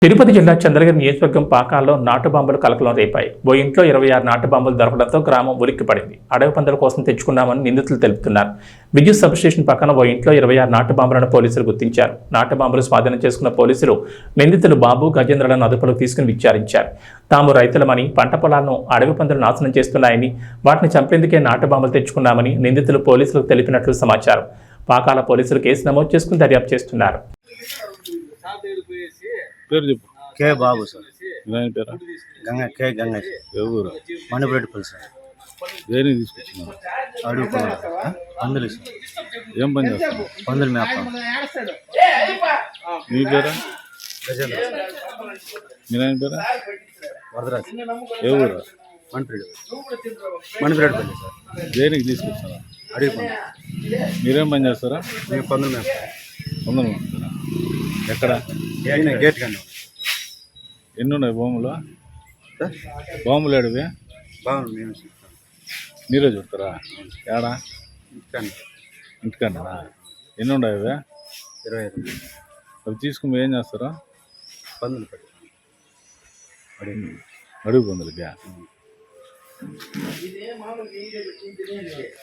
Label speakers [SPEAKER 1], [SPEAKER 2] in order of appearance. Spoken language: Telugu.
[SPEAKER 1] తిరుపతి జిల్లా చంద్రగిరి నియోజకవర్గం పాకాల్లో నాటు బాంబులు కలకలం రేపాయి. ఓ ఇంట్లో 26 నాటు బాంబులు దొరకడంతో గ్రామం ఉలిక్కిపడింది. అడవి పందుల కోసం తెచ్చుకున్నామని నిందితులు తెలుపుతున్నారు. విద్యుత్ సబ్స్టేషన్ పక్కన ఓ ఇంట్లో 26 నాటు బాంబులను పోలీసులు గుర్తించారు. నాటు బాంబులు స్వాధీనం చేసుకున్న పోలీసులు నిందితులు బాబు, గజేంద్రలను అదుపులోకి తీసుకుని విచారించారు. తాము రైతులమని, పంట పొలాలను అడవి పందులు నాశనం చేస్తున్నాయని, వాటిని చంపేందుకే నాటు బాంబులు తెచ్చుకున్నామని నిందితులు పోలీసులకు తెలిపినట్లు సమాచారం. పాకాల పోలీసులు కేసు నమోదు చేసుకుని దర్యాప్తు చేస్తున్నారు.
[SPEAKER 2] పేరు చెప్పు.
[SPEAKER 3] K Babu sir.
[SPEAKER 2] పేరు
[SPEAKER 3] గంగ
[SPEAKER 2] ఎవరు?
[SPEAKER 3] మణిపేటపల్లి సార్.
[SPEAKER 2] దేనికి తీసుకొచ్చినారు?
[SPEAKER 3] అడుగు పందులు సార్.
[SPEAKER 2] ఏం పని చేస్తాను?
[SPEAKER 3] పందులు మేప.
[SPEAKER 2] మీ పేరా?
[SPEAKER 3] గజేంద్ర.
[SPEAKER 2] మీ నాయన పేరా?
[SPEAKER 3] వరదరాజు.
[SPEAKER 2] ఎవరు?
[SPEAKER 3] మణిపేటపల్లి సార్.
[SPEAKER 2] దేనికి తీసుకొచ్చారా?
[SPEAKER 3] అడుగు పందులు.
[SPEAKER 2] మీరేం పని చేస్తారా?
[SPEAKER 3] మేము పందులు మేప.
[SPEAKER 2] వందలు ఎక్కడ?
[SPEAKER 3] గేట్ కానీ
[SPEAKER 2] ఎన్ని ఉన్నాయి భూములు? బాంబులు ఏడవి?
[SPEAKER 3] బాగుంది. మేము
[SPEAKER 2] మీరే చూస్తారా? ఏడా?
[SPEAKER 3] ఇంటికాన్ని
[SPEAKER 2] ఇంటికన్నా ఎన్ని ఉన్నాయి అవి?
[SPEAKER 3] 25.
[SPEAKER 2] అవి తీసుకుని ఏం చేస్తారా?
[SPEAKER 3] పందులు పెట్టి
[SPEAKER 2] అడుగు పందులకి.